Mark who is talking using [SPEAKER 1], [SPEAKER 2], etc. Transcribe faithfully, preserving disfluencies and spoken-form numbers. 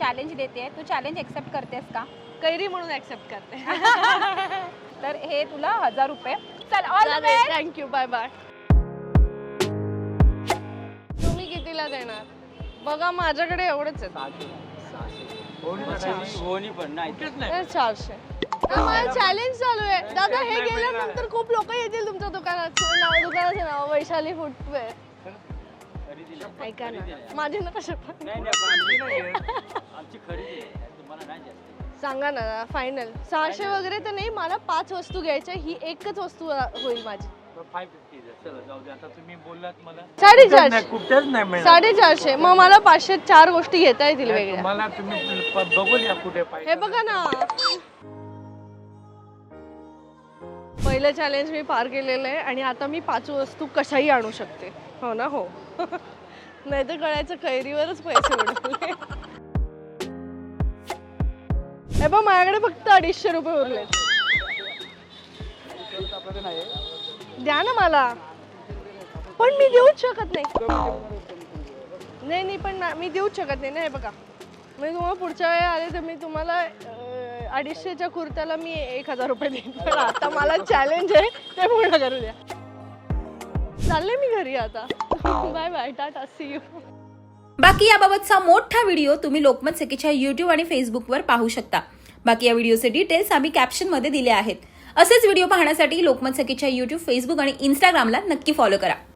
[SPEAKER 1] Challenge देते, तू challenge accept करतेस का?
[SPEAKER 2] कैरी म्हणून ऍक्सेप्ट करते.
[SPEAKER 1] तर हे तुला हजार रुपये. चल all the best.
[SPEAKER 2] Thank you, bye bye. तुम्ही कितीला देणार? बघा माझ्याकडे एवढंच आहे. चारशे. माझं चॅलेंज चालू आहे दादा. हे गेल्यानंतर खूप लोक येतील तुमच्या दुकानात. नाव दुकानाचं नाव वैशाली फुटवेअर. ऐका ना, माझी नका शपथ. सांगा ना फायनल. सहाशे वगैरे तर नाही, मला पाच वस्तू घ्यायच्या. ही एकच वस्तू होईल माझी. साडेचारशे. साडेचारशे. मग मला पाचशे चार गोष्टी घेता येतील वेगळ्या.
[SPEAKER 3] मला तुम्ही बघूया कुठे
[SPEAKER 2] हे बघा ना, पहिलं चॅलेंज मी पार केलेलं आहे आणि आता मी पाच वस्तू कशाही आणू शकते. हो ना? हो. नाही तर कळायचं कैरीवरच पैसे उडवले. हे बघ माझ्याकडे फक्त अडीचशे रुपये उरले. द्या ना मला. पण मी देऊच शकत नाही. नाही नाही पण मी देऊच शकत नाही ना. हे बघा, मी तुम्हाला पुढच्या वेळी आले तर मी तुम्हाला अडीचशेच्या कुर्त्याला मी एक हजार रुपये देईन. पण आता मला चॅलेंज आहे, ते पूर्ण करू द्या. चालले मी घरी आता. Bye bye, tata, see you.
[SPEAKER 4] बाकी याबाबतचा मोठा व्हिडिओ तुम्ही लोकमत सखीच्या युट्यूब आणि फेसबुकवर पाहू शकता. बाकी या व्हिडिओचे डिटेल्स आम्ही कॅप्शनमध्ये दिले आहेत. असेच व्हिडिओ पाहण्यासाठी लोकमत सखीच्या युट्यूब, फेसबुक आणि इंस्टाग्रामला नक्की फॉलो करा.